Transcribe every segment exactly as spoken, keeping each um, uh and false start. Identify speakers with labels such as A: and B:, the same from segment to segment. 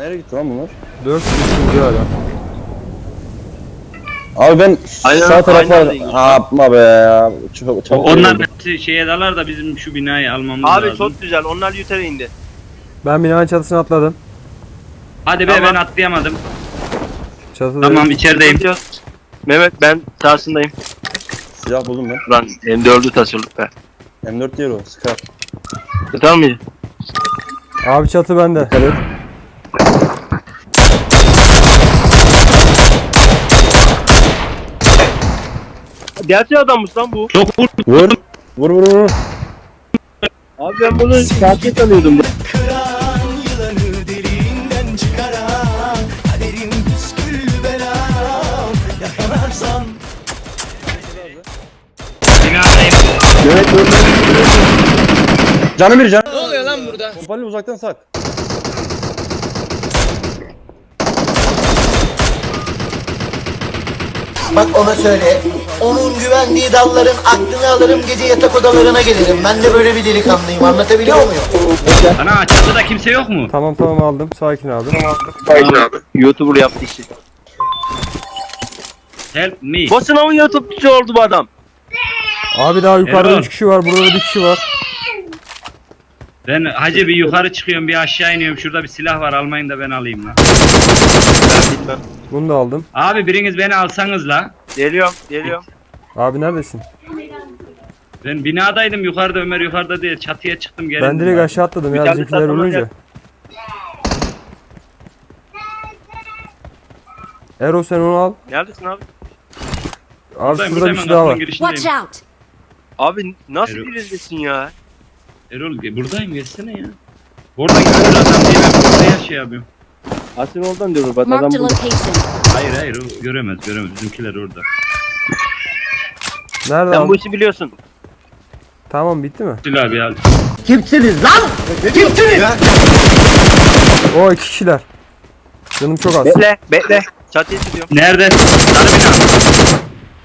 A: Nereye gitti lan bunlar?
B: dört kişi hala.
A: Abi ben
C: Aynen,
A: sağ tarafa...
C: aynen.
A: Ha yapma be ya. Çok, çok
D: Onlar hepsi şeye dalar da bizim şu binayı almamız
C: Abi
D: lazım.
C: çok güzel. Onlar yutarı indi.
B: Ben binanın çatısına atladım.
D: Hadi be
C: Tamam.
D: ben atlayamadım.
B: Çatıda.
D: Tamam içerideyim.
C: Gidiyoruz. Mehmet ben sahasındayım.
A: Silah buldum ben.
C: Lan M dördü taşırdık be.
A: M dört değil o. Scar.
C: Tutar mıydı?
B: Abi çatı bende.
A: Dikkat et.
C: Gerçek adammış lan bu.
D: Çok vur.
A: Vur. Vur vur vur.
C: Abi ben bunu gerçek sanıyordum.
E: Kıran yılanı deliğinden çıkaran kaderin püskül belam yakalarsan.
D: Binadayım.
C: Mehmet dur.
A: Canı bir can. Ne oluyor lan burada? Pompalı uzaktan sak.
E: Bak ona söyle. Onun güvendiği dalların aklını alırım, gece yatak odalarına gelirim. Ben de böyle bir delikanlıyım, anlatabiliyor muyum?
D: Ana çatıda kimse yok mu?
B: Tamam tamam aldım. Sakin abi.
C: Aynen abi. YouTuber yaptı işi.
D: Help me.
C: Boşuna mı YouTube'cu oldu bu adam?
B: Abi daha yukarıda
D: Erol.
B: üç kişi var. Burada bir kişi var.
D: Ben hacı bir yukarı çıkıyorum bir aşağı iniyorum. Şurada bir silah var almayın da ben alayım lan.
C: Ben bilmem.
B: Bunu da aldım.
D: Abi biriniz beni alsanız la.
C: Geliyorum, geliyorum.
B: Abi neredesin?
D: Ben binadaydım yukarıda Ömer yukarıda diye çatıya çıktım geldim.
B: Ben direkt aşağı atladım
C: Bir
B: ya
C: tane
B: bizimkiler
C: satın
B: ölünce.
C: alacak.
B: Ero sen onu al.
C: Neredesin abi?
B: Abi
D: Buradayım,
B: şurada bir
D: buradayım,
B: şey daha
D: kapının
B: var.
D: girişindeyim.
F: Watch out!
C: Abi nasıl
D: Erol.
C: bilindesin ya?
D: Erol ge- buradayım gelsene ya. Oradan görür adam diye ben buraya şey yapıyorum.
C: Asil oradan diyor bak adam
F: Marked a
C: bu.
F: location.
D: Hayır hayır o göremez göremez bizimkiler orada.
B: Nerede
C: Sen
B: abi?
C: bu işi biliyorsun.
B: Tamam bitti mi?
D: Sil abi al.
B: O iki kişiler. Canım çok az.
C: Bekle, bekle. Çatıya çıkıyorum.
D: Nerede? Sarı bina.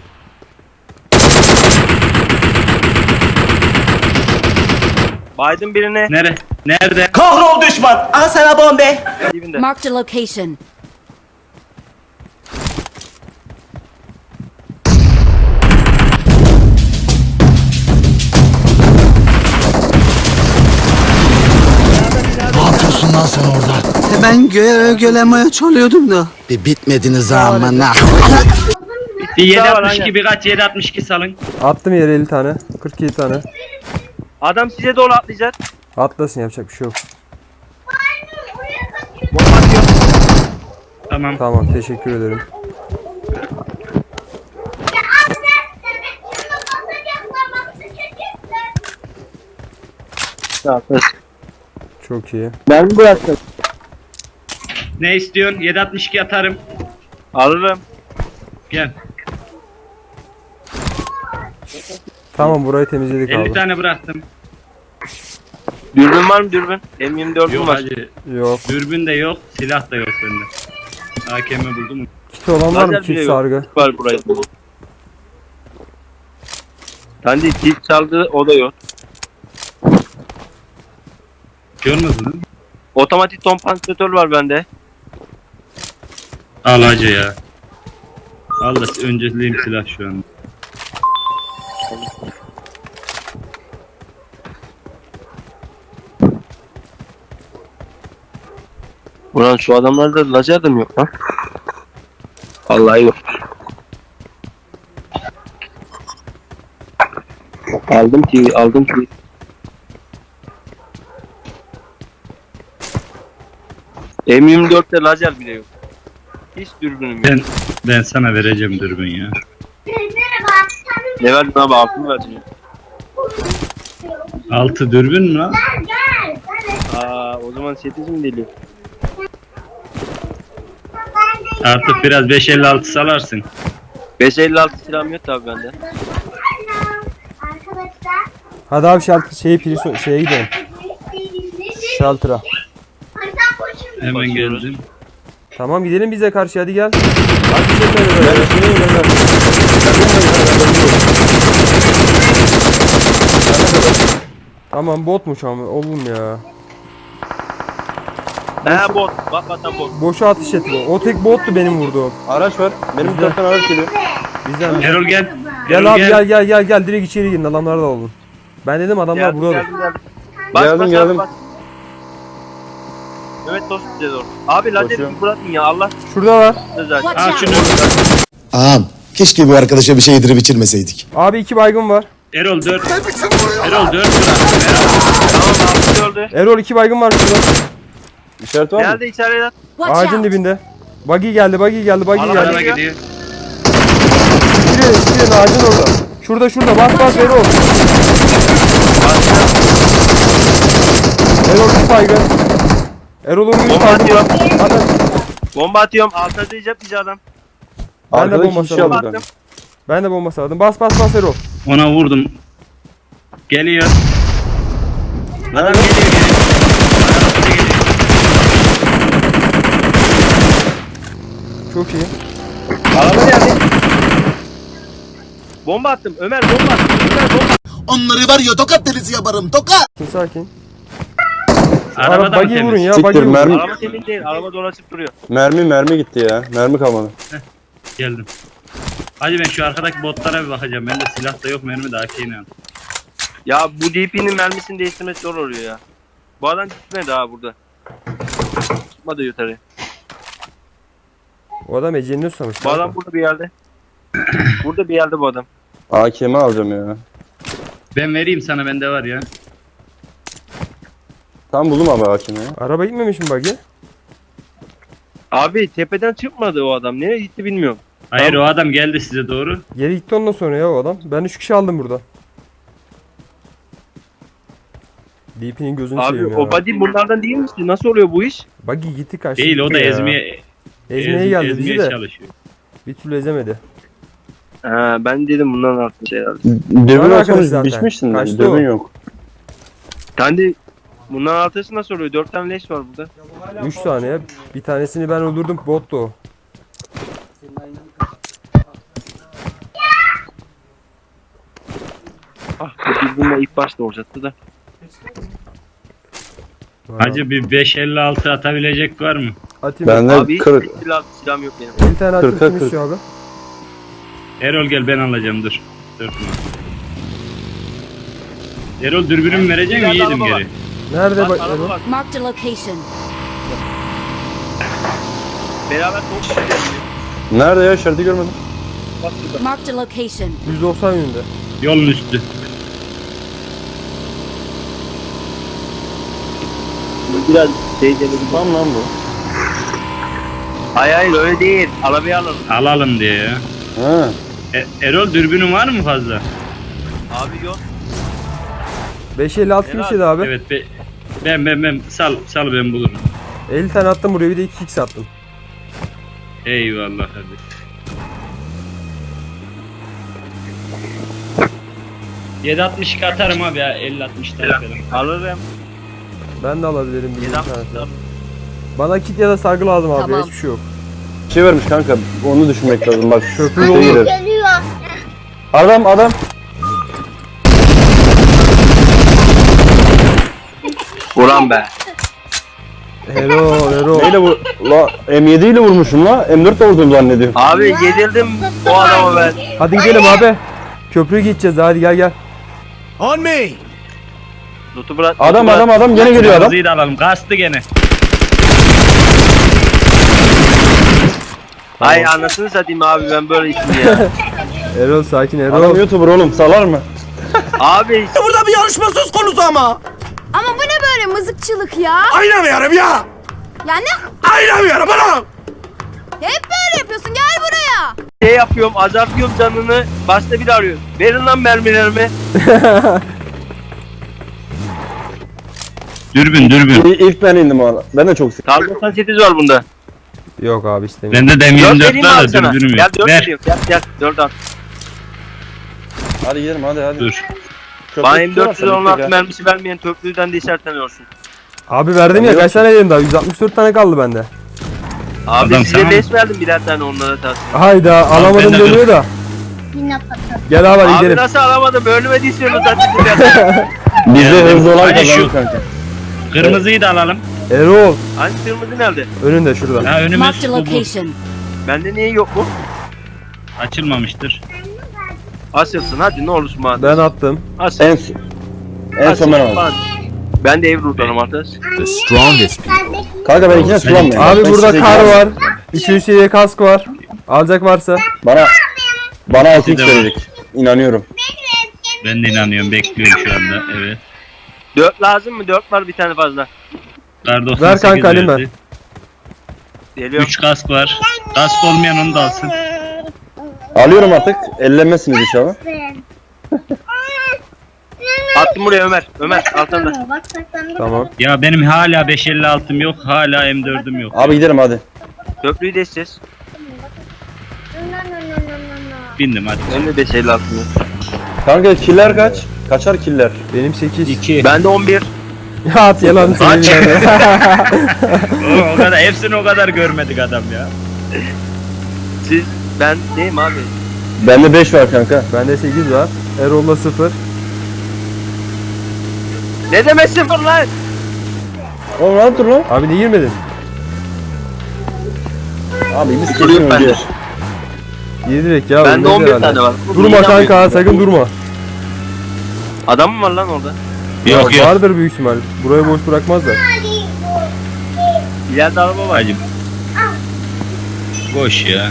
C: Biden birine.
D: Nere? Nerede?
E: Kahrol düşman, al sana bombe.
C: Dibinde.
F: Marked a location.
G: Ne yapıyorsun lan sen orada?
H: Ben göğe gölemeye çalıyordum da.
G: Bir bitmediniz ama ne?
D: Bir
C: Daha var,
D: yedi altmış iki
C: aynen.
D: birkaç yedi altmış iki salın.
B: Attım yere elli tane. kırk yedi tane.
C: Adam size doğru atlayacak.
B: Atlasın yapacak bir şey yok.
C: Bomba atıyor.
D: Tamam.
B: Tamam teşekkür ederim. Çok iyi.
C: Ben bıraktım.
D: Ne istiyorsun? yedi altmış iki atarım.
C: Alırım.
D: Gel.
B: Tamam burayı temizledik
D: elli
B: abi.
D: tane bıraktım.
C: Dürbün var mı dürbün? M yirmi dördüm
D: Yok
C: var.
D: hacı.
B: Yok.
D: Dürbün de yok. Silah da yok bende. A K M buldum.
B: Kit olan var mı?
C: Lazer bile
B: Kit
C: yok.
B: sargı.
C: Var burayı. Kendi kit çaldı o da yok.
D: Görmedin mi?
C: Otomatik kompansatör var bende.
D: Al hacı ya. Al da önceliğim silah şu an.
C: Ulan şu adamlarda lazer de mi yok lan? Vallahi yok. Aldım ki, aldım ki. M yirmi dörtte lazer bile yok. Hiç dürbünüm yok.
D: Ben ben sana vereceğim dürbün ya.
C: Ne verdin abi? Altı mı verdin?
D: Altı dürbün mü lan?
C: Aa, o zaman sekiz mi geliyor?
D: Artık biraz beş elli altı salarsın.
C: beş elli altı silahım yok tabi bende.
B: Hadi abi şaltı şeyi pili şeye gidelim. Shelter'a.
D: Hemen geldim.
B: Tamam gidelim bize karşı hadi gel. Hadi bize söyle böyle. Tamam botmuş ama oğlum ya.
C: He bot. Bak batan bot.
B: Boşa atış etti bu. O tek bottu benim vurduğum.
A: Araç var. Benim
B: Bizde.
A: bir taraftan araç geliyor.
B: Bizden.
D: Erol gel.
B: Gel
D: Erol
B: abi gel gel gel gel direkt içeri girin adamlar da olun. Ben dedim adamlar
C: Geldim
B: burada.
C: geldim geldim. Bas,
A: Geldim,
C: bas,
A: geldim.
C: bas. Evet dost bize doğru. Abi lazeri
A: Koşuyorum.
C: bir bırakın ya Allah
B: Şurada var.
C: zaten.
D: Al şunu.
G: Ağam keşke bu arkadaşa bir şey yedirip içirmeseydik.
B: Abi iki baygın var.
D: Erol dört. Erol dört bırak.
C: Tamam abi öldü.
B: Erol iki baygın var şurada.
A: İşaret var mı?
C: Nerede içeride?
B: Ağacın dibinde. Buggy geldi, buggy geldi, buggy
C: Araba
B: geldi.
D: Araba gidiyor.
B: Girin, girin ağacın orada. Şurada şurada bas bas Erol. Erol bir baygın. Erol'un bir
C: Bomba
B: baygın.
C: atıyorum.
B: Adam.
C: Bomba atıyorum. Altta diyecek bize adam.
B: Ben de
A: Arkada
B: bomba
A: iki kişi
B: saldım.
A: aldı kanka.
B: Ben de bomba sardım. Bas bas bas Erol.
D: Ona vurdum. Geliyor. Adam
A: Nerede?
D: geliyor geliyor. Arabada geliyor.
B: Çok iyi.
C: Araba geldi. Bomba attım. Ömer bomba attım. Ömer bomba.
G: Onları var ya tokat delisi yaparım tokat.
B: Sakin sakin.
D: Arabada
B: Araba
D: mı
B: buggy
D: temiz?
B: vurun ya,
A: Siktir,
B: buggy vurun.
A: mermi-
C: Araba temiz değil. Araba dolaşıp duruyor.
A: Mermi mermi gitti ya. Mermi kalmadı.
D: Geldim. Hadi ben şu arkadaki botlara bir bakacağım. Bende silah da yok, mermi de A K'yle al.
C: Ya bu D P'nin mermisini değiştirmesi zor oluyor ya. Bu adam gitmedi ha burada. Çıkmadı yukarı.
B: O adam Ece'ni susamış.
C: Bu adam burada bir yerde. Burada bir yerde bu adam.
A: A K M alacağım ya.
D: Ben vereyim sana, bende var ya.
A: Tam buldum abi A K M'yi.
B: Araba gitmemiş mi buggy?
C: Abi tepeden çıkmadı o adam. Nereye gitti bilmiyorum.
D: Hayır
A: Tamam.
D: o adam geldi size doğru.
B: Geri gitti ondan sonra ya o adam. Ben üç kişi aldım burada. D P'nin gözünü
C: Abi
B: seveyim ya.
C: o body bunlardan değil misin? Nasıl oluyor bu iş?
B: Buggy gitti kaçtı.
D: Değil, o da
B: gitti ya.
D: ezmeye
B: Ezmeye
D: ez-
B: geldi
D: ezmeye
B: bizi de.
D: çalışıyor.
B: Bir türlü ezemedi.
C: Ha ben dedim bundan artmış herhalde.
A: Dürbün
B: Var arkadaş
A: olsanız
B: zaten.
A: biçmiştin de.
B: Kaçtı
A: Dürbün
B: o.
A: yok.
C: Kendi bundan artışı nasıl oluyor? Dört tane leş var burada.
B: Üç tane ya. Bir tanesini ben öldürdüm. Bottu o.
C: Ah biz bununla ilk başta olacaktı da.
D: Hacı bir beş elli altı atabilecek var mı?
B: Atayım.
A: Bende
C: Abi hiç
A: kırık.
C: silah, silahım yok benim.
B: Bir tane atayım.
A: kırka
B: Kim
A: kırk.
B: istiyor abi?
D: Erol gel, ben alacağım, dur. Dur. Erol dürbünümü vereceksin mi?
C: İleride
D: Yedim
C: araba
D: geri.
B: Nerede
C: Bak
B: bak?
C: araba
B: Erol?
C: bak.
F: Marked a location.
C: Beraber çok gidiyor.
A: Nerede ya? İşareti görmedim.
C: Bak şurada.
F: Marked a location.
B: yüz doksan yönünde.
D: Yolun üstü.
C: Biraz teyzeli bir
A: Tam lan bu.
C: Hayır hayır öyle değil. Arabayı alalım.
D: Alalım diye ya.
A: Ha.
D: E- Erol dürbünün var mı fazla?
C: Abi yok.
B: beş elli altı kim
C: Helal.
B: istedi abi?
D: Evet be, ben ben ben sal sal ben bulurum.
B: elli tane attım buraya bir de iki x attım.
D: Eyvallah kardeşim. yedi altmış iki atarım abi ya, elli altmış tane falan.
C: Alırım.
B: Ben de alabilirim bir
C: Yedi
B: iki
C: altmış
B: tane.
C: dört.
B: Bana kit ya da sargı lazım abi.
F: Tamam.
B: Hiçbir şey yok.
A: Bir şey vermiş kanka. Onu düşünmek lazım. Bak
B: Köprü
A: şey
B: yolu.
A: girer. Adam adam.
C: Ulan be.
B: Erol Erol.
A: Neyle vur? La M yedi ile vurmuşum la. M dört de vurdum zannediyorum.
C: Abi yedirdim o adama ben.
B: Hadi gidelim abi. Köprüye gideceğiz hadi gel gel.
G: On me.
C: Loot'u bırak.
A: Adam
C: loot'u
A: adam
C: bırak.
A: adam gene geliyor adam.
D: Kırmızıyı da alalım, kastı gene.
C: Ay anasını satayım abi ben böyle içim ya.
B: Erol sakin
A: Adam
B: Erol.
A: YouTuber oğlum salar mı?
C: Abi
G: Burada bir yarışma söz konusu ama.
F: Ama bu ne böyle mızıkçılık ya?
G: Oynamıyorum ya.
F: Ya ne?
G: Oynamıyorum bana.
F: Hep böyle yapıyorsun, gel buraya.
C: şey yapıyorum azaltıyorum canını. Başta bir arıyor. Verin lan mermilerimi.
D: Dürbün dürbün.
A: İ- İlk ben indim o ara. Ben de çok sık.
C: Kar doksan sekiz var bunda.
B: Yok abi istemiyorum.
D: Bende de M
C: dört
D: yirmi dört
C: vereyim mi
D: var
C: abi
D: da
C: sana?
D: dürbünüm
C: Gel
D: yok.
C: dört
D: Ver.
C: veriyorum. Gel gel dört at.
A: Hadi gidelim hadi hadi.
D: Dur.
A: Köprü
C: Bana M
A: tutuyorlar
C: dört yüz
A: tabii
C: on
A: ki
C: altı
A: ya.
C: mermisi vermeyen töplüden de işaretleniyorsun.
B: Abi verdim ya
A: Yok
B: kaç
A: ki.
B: tane yedim daha? yüz altmış dört tane kaldı bende.
C: Abi
D: Adam
C: size
D: tamam.
C: leş verdim birer tane onlara tas.
B: Hayda alamadım
D: ben de
B: demiyor da. Gel abi hadi
C: Abi
B: gidelim.
C: nasıl alamadım? Ölmediyseniz zaten birer.
A: Bizde
D: Geldim.
A: hızlı olan
D: Hadi şu-
A: kazanır kanka.
D: Kırmızıyı da alalım.
B: Erol.
C: Hani kırmızı nerede?
B: Önünde şurada.
D: Ha önümüz
F: Marked a
D: bu, bu.
F: location.
C: Bende niye yok bu?
D: Açılmamıştır.
C: Asılsın hadi ne olursun bana.
B: Ben attım.
C: Asıl.
A: En, en son ben aldım.
C: Ben de Evru'danım arkadaş.
G: The strongest
A: Kanka ben ikine sulanmıyorum.
B: Abi
A: Ben
B: burada
A: size
B: kar
A: güvenmiyorum.
B: var. iki seviye kask var. Alacak varsa.
A: Bana bana altı x
D: Size var.
A: verecek. İnanıyorum.
D: Ben de inanıyorum. Bekliyorum şu anda. Evet.
C: Dört lazım mı? Dört var bir tane fazla.
D: Kar doksan
B: Ver
D: sekiz
B: kanka, alayım
D: verdi.
C: Geliyorum.
D: üç kask var. Kask olmayan onu da alsın.
A: Alıyorum artık. Ellenmezsiniz inşallah.
C: Attım buraya Ömer. Ömer altında.
B: Tamam.
D: Ya benim hala beş elli altım yok. Hala M dördüm yok.
A: Abi gidelim hadi.
C: Köprüyü geçeceğiz.
D: Bindim hadi.
C: Benim de beş elli altım yok.
A: Kanka killer kaç? Kaçar killer?
B: Benim sekiz.
D: iki.
C: Ben de on bir.
B: Ya at yalan söyleyeyim.
D: o, o kadar hepsini o kadar görmedik adam ya.
C: Siz ben değilim abi.
A: Bende beş var kanka.
B: Bende sekiz var. Erol'da sıfır.
C: Ne demek sıfır lan?
A: Oğlum rahat dur lan.
B: Abi niye girmedin?
A: Abi biz
C: Sıfır
A: kesin
C: yok bende.
A: önce.
B: Yedi direkt ya.
C: Bende
B: ölmez
C: on bir
B: herhalde.
C: tane var.
B: Durma kanka, sakın durma.
C: Adam mı var lan orada?
D: Yok
B: Ya
D: yok.
B: vardır büyük ihtimal. Burayı boş bırakmazlar.
C: İleride araba var.
D: Hacım. Boş ya.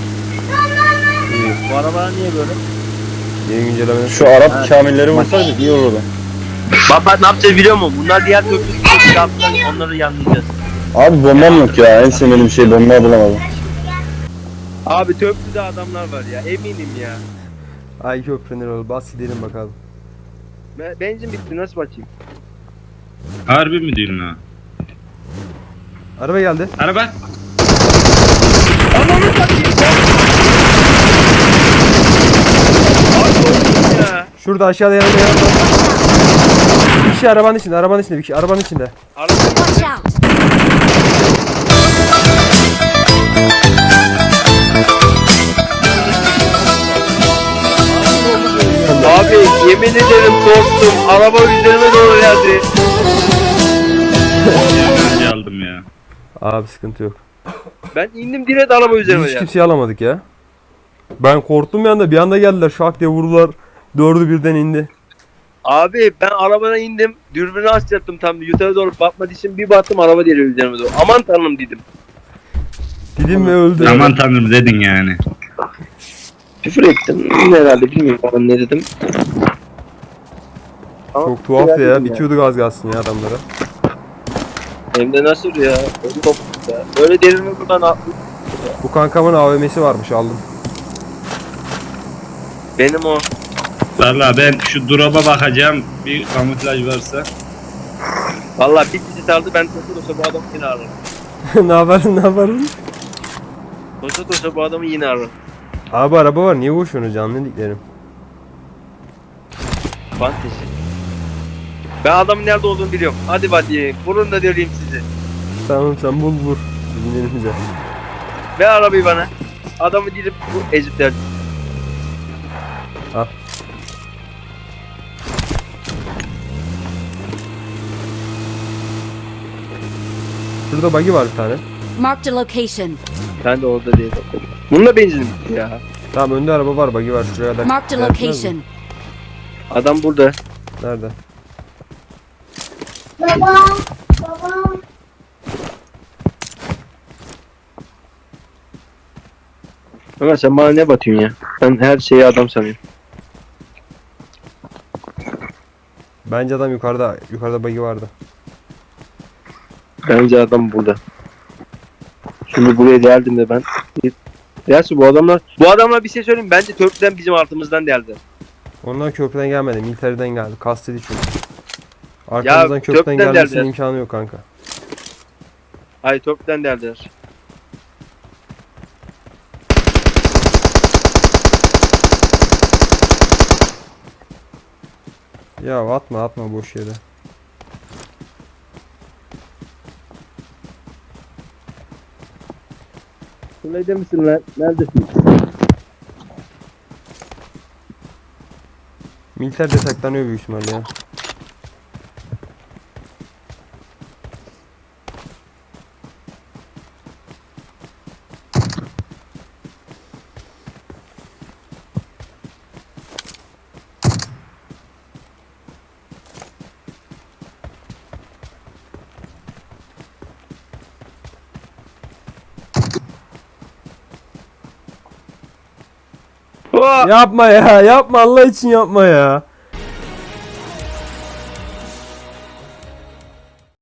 C: Bu araba niye böyle?
B: Yeni güncellemede.
A: Şu Arap kamilleri vursaydık iyi olurdu.
C: Bak bak ne yapacağız biliyor musun? Bunlar diğer köprü yaptılar. Onları yanlayacağız.
A: Abi bombam yok ya. En sevmediğim şey bomba bulamadım.
C: Abi köprüde adamlar var ya. Eminim ya.
B: Ay köprünün Erol. Bas gidelim bakalım.
C: Be- Benzin bitti nasıl bakayım?
D: Harbi mi diyorsun ha?
B: Araba geldi.
D: Araba.
C: Ananı satayım. Ya.
B: Şurada aşağıda yanında yanında. Bir kişi arabanın içinde, arabanın içinde, bir kişi arabanın içinde.
C: Araba
F: Watch out.
C: Abi yemin ederim korktum. Araba üzerime doğru geldi.
D: Önce aldım ya.
B: Abi sıkıntı yok.
C: Ben indim direkt araba
B: Biz
C: üzerime
B: hiç
C: geldi.
B: kimseyi alamadık ya. Ben korktum bir anda, bir anda geldiler şak diye vurdular. Dördü birden indi.
C: Abi ben arabadan indim. Dürbünü açacaktım tam yukarı doğru bakmak için bir baktım araba geliyor üzerime doğru. Aman tanrım dedim.
B: Dedim ve öldü.
D: Aman tanrım dedin yani.
C: Küfür ettim herhalde bilmiyorum ben ne dedim. Ama
B: Çok tuhaf
C: küfür
B: ya.
C: ettim
B: Bitiyorduk az kalsın ya adamlara.
C: Hem de nasıl ya? Öyle koptuk ya. Böyle derimi buradan atlık.
B: Bu kankamın A V M'si varmış, aldım.
C: Benim o.
D: Valla ben şu drop'a bakacağım. Bir kamuflaj varsa.
C: Valla bir kişi sardı ben tosa tosa bu adamı yine ararım.
B: Ne yaparsın, ne yaparsın?
C: Tosa tosa bu adamı yine ararım.
B: Abi araba var, niye boşuyorsunuz canlı diklerim?
C: Fantezi. Ben adamın nerede olduğunu biliyorum. Hadi hadi. Vurun da döveyim sizi.
B: Tamam sen bul vur. Bizim elimize.
C: Ver arabayı bana. Adamı gidip bu ezipler.
B: Al. Şurada buggy var bir tane.
F: Marked a location.
C: Ben de orada değil. Bununla benzin bitti ya.
B: Tamam önde araba var, buggy var şuraya kadar.
F: Marked a
B: Gelmez mi?
F: location.
C: Adam burada.
B: Nerede?
C: Ömer sen bana ne batıyorsun ya? Ben her şeyi adam sanıyorum.
B: Bence adam yukarıda. Yukarıda buggy vardı.
C: Bence adam burada. Şimdi buraya geldim de ben. Gerçi bu adamlar, bu adamlar bir şey söyleyeyim. Bence köprüden bizim altımızdan geldi.
B: Onlar köprüden gelmedi. Militeriden geldi. Kastedi çünkü. Arkamızdan köprüden,
C: köprüden
B: gelmesinin
C: geldiler.
B: imkanı yok kanka.
C: Hayır köprüden geldiler.
B: Ya atma atma boş yere.
C: Şuradaydı misin lan? Neredesin?
B: Militer de saklanıyor büyük ihtimalle ya.
C: Oha!
B: Yapma ya, yapma Allah için yapma ya.